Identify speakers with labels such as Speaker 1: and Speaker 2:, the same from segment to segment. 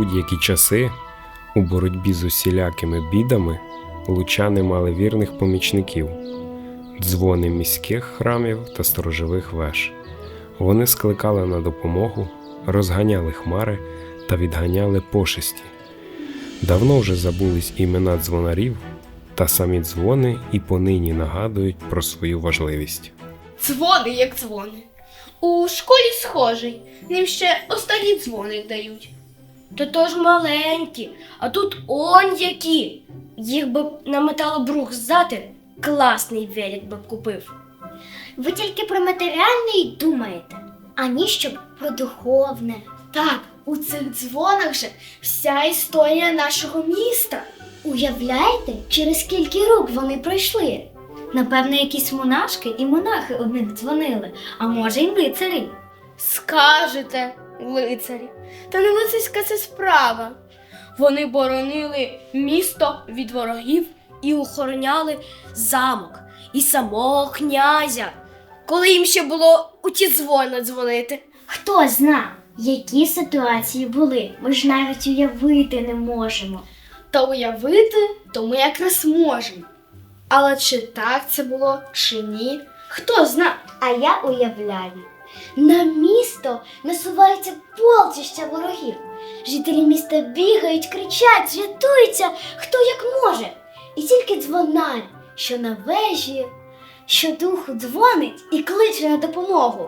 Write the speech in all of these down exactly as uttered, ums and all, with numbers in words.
Speaker 1: будь-які часи, у боротьбі з усілякими бідами, лучани мали вірних помічників – дзвони міських храмів та сторожових веж. Вони скликали на допомогу, розганяли хмари та відганяли пошесті. Давно вже забулись імена дзвонарів, та самі дзвони і понині нагадують про свою важливість.
Speaker 2: Дзвони, як дзвони. У школі схожий, ним ще останній дзвоник дають.
Speaker 3: Та то ж маленькі, а тут он які. Їх би на металобрух здати, класний велик би купив.
Speaker 4: Ви тільки про матеріальне й думаєте, ані щоб про духовне.
Speaker 2: Так, у цих дзвонах же вся історія нашого міста.
Speaker 4: Уявляєте, через скільки рук вони пройшли? Напевно, якісь монашки і монахи одних дзвонили, а може й лицарі.
Speaker 2: Скажете, лицарі. Та не лицарська це справа. Вони боронили місто від ворогів
Speaker 3: І охороняли замок, і самого князя, коли їм ще було у ті дзвони дзвонити.
Speaker 4: Хто зна, які ситуації були, ми ж навіть уявити не можемо.
Speaker 2: та уявити, то ми якраз можемо. Але чи так це було, чи ні, хто зна.
Speaker 4: А я уявляю, на місто насувається полчища ворогів. Жителі міста бігають, кричать, рятуються, хто як може. І тільки дзвонар, що на вежі, щодуху дзвонить і кличе на допомогу.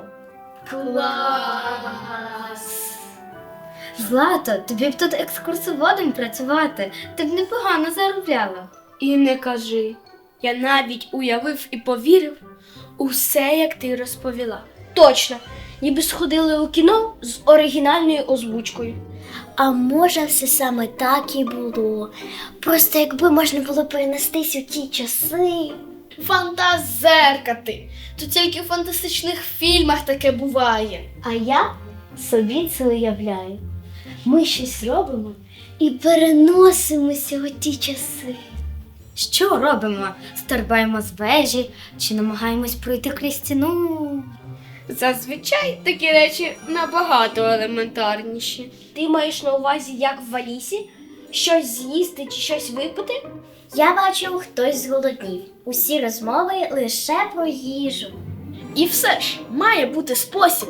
Speaker 2: Клас!
Speaker 4: Злато, тобі б тут екскурсоводом працювати, ти б непогано заробляла.
Speaker 2: І не кажи, я навіть уявив і повірив усе, як ти розповіла.
Speaker 3: Точно, ніби сходили у кіно з оригінальною озвучкою.
Speaker 4: А може все саме так і було. Просто якби можна було перенестись у ті часи.
Speaker 2: Фантазерка ти! То тільки в фантастичних фільмах таке буває.
Speaker 4: А я собі це уявляю. Ми щось робимо і переносимося у ті часи. Що робимо? Стрибаємо з вежі чи намагаємось пройти крізь стіну?
Speaker 2: Зазвичай такі речі набагато елементарніші.
Speaker 3: Ти маєш на увазі, як в Алісі? Щось з'їсти чи щось випити?
Speaker 4: Я бачу, хтось зголоднів. Усі розмови лише про їжу.
Speaker 2: І все ж має бути спосіб.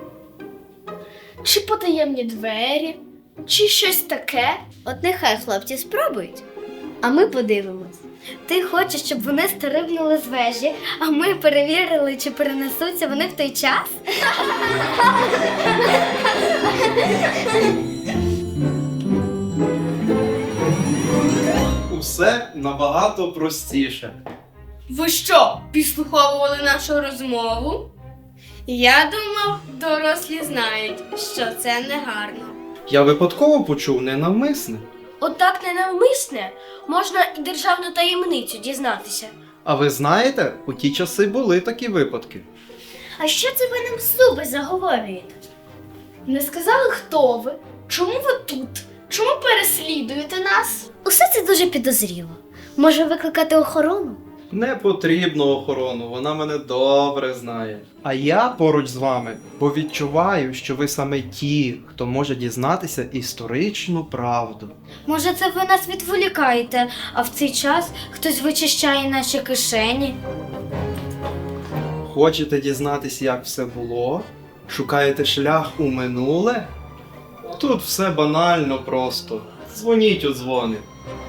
Speaker 2: Чи потаємні двері, чи щось таке.
Speaker 3: От нехай хлопці спробують, а ми подивимось.
Speaker 4: Ти хочеш, щоб вони стрибнули з вежі, а ми перевірили, чи перенесуться вони в той час?
Speaker 5: Усе набагато простіше.
Speaker 2: Ви що, підслуховували нашу розмову? Я думав, дорослі знають, що це негарно.
Speaker 5: Я випадково почув ненавмисне.
Speaker 3: Отак ненавмисне можна і державну таємницю дізнатися.
Speaker 5: А ви знаєте, у ті часи були такі випадки.
Speaker 4: А що це ви нам зуби заговорюєте?
Speaker 2: Не сказали, хто ви? Чому ви тут? Чому переслідуєте нас?
Speaker 4: Усе це дуже підозріло. Може викликати охорону?
Speaker 5: Не потрібно охорону, вона мене добре знає. А я поруч з вами, бо відчуваю, що ви саме ті, хто може дізнатися історичну правду.
Speaker 4: Може, це ви нас відволікаєте, а в цей час хтось вичищає наші кишені?
Speaker 5: Хочете дізнатися, як все було? Шукаєте шлях у минуле? Тут все банально просто. Дзвоніть у дзвони.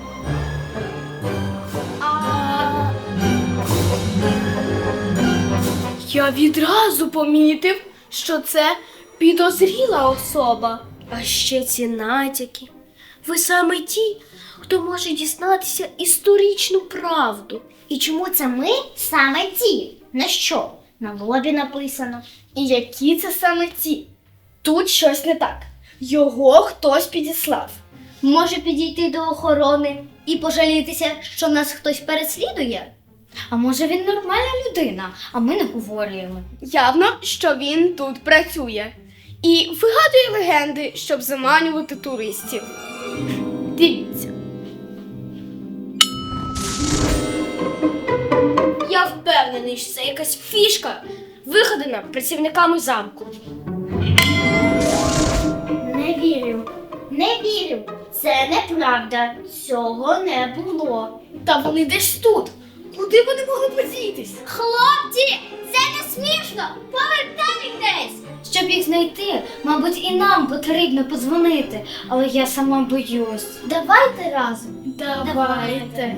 Speaker 2: Я відразу помітив, що це підозріла особа.
Speaker 3: А ще ці натяки. Ви саме ті, хто може дізнатися історичну правду.
Speaker 4: І чому це ми саме ті? На що? На лобі написано.
Speaker 2: І які це саме ті? Тут щось не так. Його хтось підіслав.
Speaker 4: Може підійти до охорони і пожалітися, що нас хтось переслідує? А може він нормальна людина, а ми не говоримо.
Speaker 2: Явно, що він тут працює. І вигадує легенди, щоб заманювати туристів. Дивіться.
Speaker 3: Я впевнений, що це якась фішка, вигадана працівниками замку.
Speaker 4: Не вірю. Не вірю. Це неправда. Цього не було.
Speaker 2: Та вони десь тут. Куди вони могли подітись?
Speaker 4: Хлопці, це не смішно! Повертайтесь! Щоб їх знайти, мабуть, і нам потрібно подзвонити, але я сама боюсь. Давайте разом.
Speaker 2: Давайте.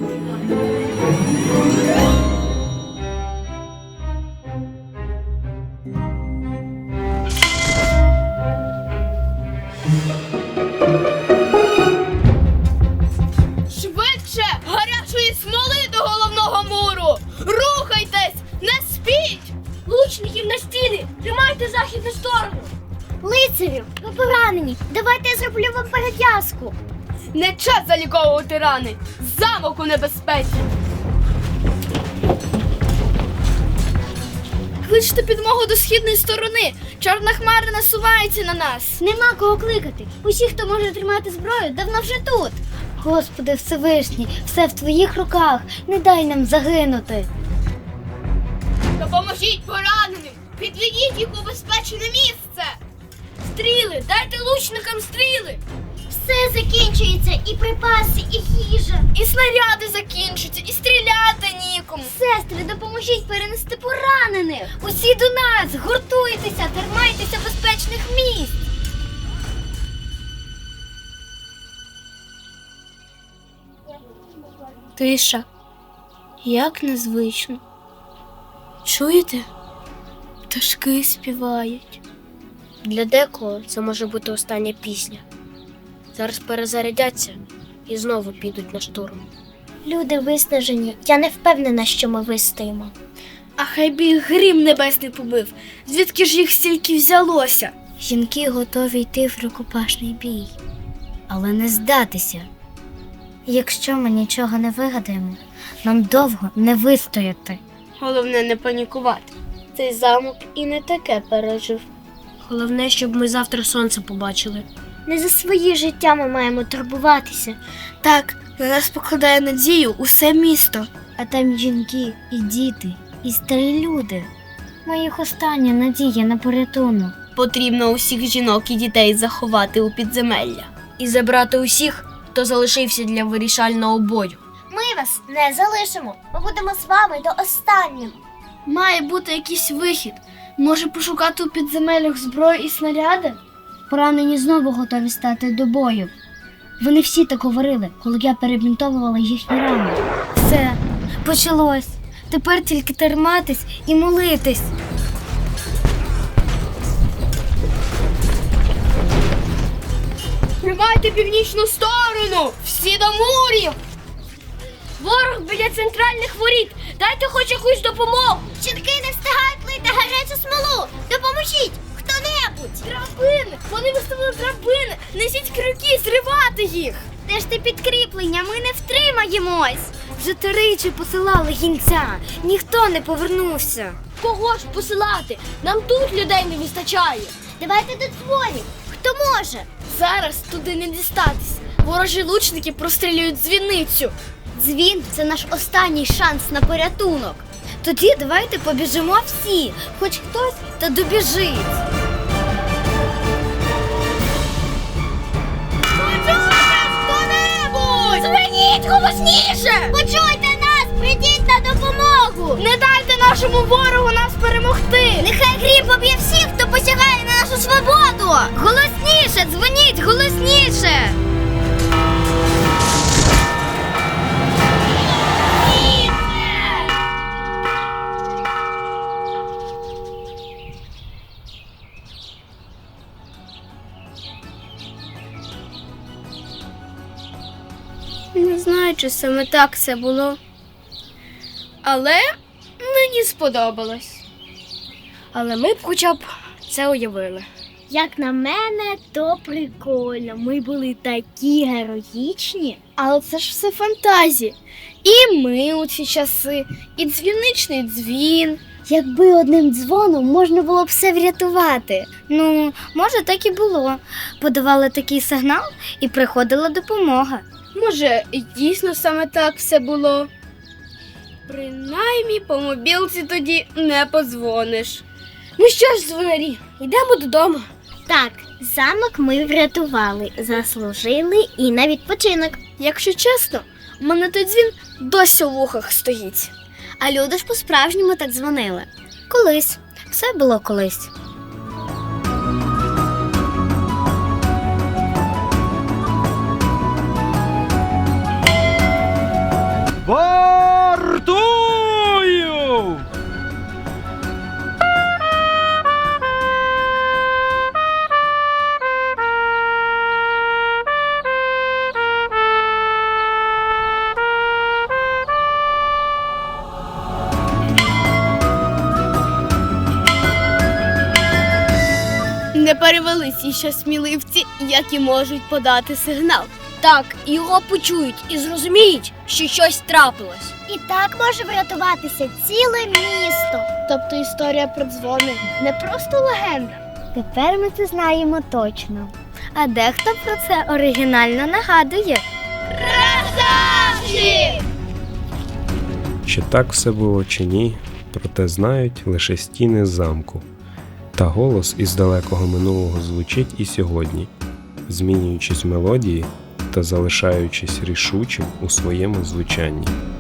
Speaker 2: Швидше! Гарячої смоли до головного муру! Рухайтесь! Не спіть!
Speaker 3: Лучників на стіни! Тримайте західну сторону!
Speaker 4: Лицарю, ви поранені. Давайте я зроблю вам перев'язку.
Speaker 2: Не час заліковувати рани! Замок у небезпеці! Кличте підмогу до східної сторони! Чорна хмара насувається на нас!
Speaker 4: Нема кого кликати. Усі, хто може тримати зброю, давно вже тут. Господи Всевишній, все в твоїх руках. Не дай нам загинути.
Speaker 2: Допоможіть пораненим! Підведіть їх у безпечне місце!
Speaker 3: Стріли! Дайте лучникам стріли!
Speaker 4: Все закінчується, і припаси, і їжа.
Speaker 2: І снаряди закінчаться, і стріляти нікому!
Speaker 4: Сестри, допоможіть перенести поранених. Усі до нас, гуртуйтеся, тримайтеся безпечних місць.
Speaker 3: Тиша. Як незвично. Чуєте? Пташки співають. Для декого це може бути остання пісня. Зараз перезарядяться і знову підуть на штурм.
Speaker 4: Люди виснажені. Я не впевнена, що ми вистоїмо.
Speaker 2: А хай би їх грім небесний побив! Звідки ж їх стільки взялося?
Speaker 4: Жінки готові йти в рукопашний бій, але не здатися. Якщо ми нічого не вигадаємо, нам довго не вистояти.
Speaker 2: Головне не панікувати. Цей замок і не таке пережив.
Speaker 3: Головне, щоб ми завтра сонце побачили.
Speaker 4: Не за свої життя ми маємо турбуватися,
Speaker 2: Так, на нас покладає надію усе місто.
Speaker 4: а там жінки, і діти, і старі люди. Моїх остання надія на порятунок.
Speaker 2: Потрібно усіх жінок і дітей заховати у підземелля.
Speaker 3: І забрати усіх, хто залишився для вирішального бою.
Speaker 4: Ми вас не залишимо. Ми будемо з вами до останнього.
Speaker 2: Має бути якийсь вихід. Може пошукати у підземеллях зброю і снаряди?
Speaker 4: Поранені знову готові стати до бою. Вони всі так говорили, коли я перебінтовувала їхні рани. Все, почалось. Тепер тільки триматись і молитись.
Speaker 2: Тримайте північну сторону! Всі до мурів!
Speaker 3: Ворог біля центральних воріт! Дайте хоч якусь допомогу!
Speaker 4: Жінки не встигають лити гарячу смолу! Допоможіть! Хто-небудь!
Speaker 2: Драбини! Вони виставили драбини! Несіть крюки, зривати їх!
Speaker 4: Де ж ти підкріплення? Ми не втримаємось! Вже тричі посилали гінця. Ніхто не повернувся.
Speaker 3: Кого ж посилати? Нам тут людей не вистачає.
Speaker 4: Давайте додзвонів. Хто може?
Speaker 2: Зараз туди не дістатись. Ворожі лучники прострілюють дзвіницю.
Speaker 4: Дзвін – це наш останній шанс на порятунок. Тоді давайте побіжимо всі, хоч хтось та добіжить.
Speaker 2: Хто-небудь!
Speaker 4: Дзвоніть голосніше! Почуйте нас! Прийдіть на допомогу!
Speaker 2: Не дайте нашому ворогу нас перемогти!
Speaker 4: Нехай грім поб'є всіх, хто посягає на нашу свободу! Голосніше! Дзвоніть голосніше!
Speaker 2: Не знаю, чи саме так це було. Але мені сподобалось.
Speaker 3: Але ми б хоча б це уявили.
Speaker 4: Як на мене, то прикольно. Ми були такі героїчні.
Speaker 2: Але це ж все фантазії. І ми у ці часи, і дзвіничний дзвін.
Speaker 4: Якби одним дзвоном можна було б все врятувати. Ну, може, так і було. Подавали такий сигнал і приходила допомога.
Speaker 2: Може, і дійсно саме так все було. Принаймні по мобілці тоді не подзвониш.
Speaker 3: Ну що ж, дзвонарі, йдемо додому.
Speaker 4: Так, Замок ми врятували, заслужили і на відпочинок.
Speaker 2: Якщо чесно, у мене той дзвін досі у вухах стоїть.
Speaker 4: А люди ж по-справжньому так дзвонили. Колись. Все було колись.
Speaker 5: Вартую!
Speaker 2: Не перевелися ще сміливці, які можуть подати сигнал.
Speaker 3: Так, його почують і зрозуміють, що щось трапилось.
Speaker 4: І так може врятуватися ціле місто.
Speaker 2: Тобто історія про дзвони не просто легенда.
Speaker 4: Тепер ми це знаємо точно. А дехто про це оригінально нагадує.
Speaker 1: Чи так все було чи ні, проте знають лише стіни замку. Та голос із далекого минулого звучить і сьогодні, змінюючись в мелодії та залишаючись рішучим у своєму звучанні.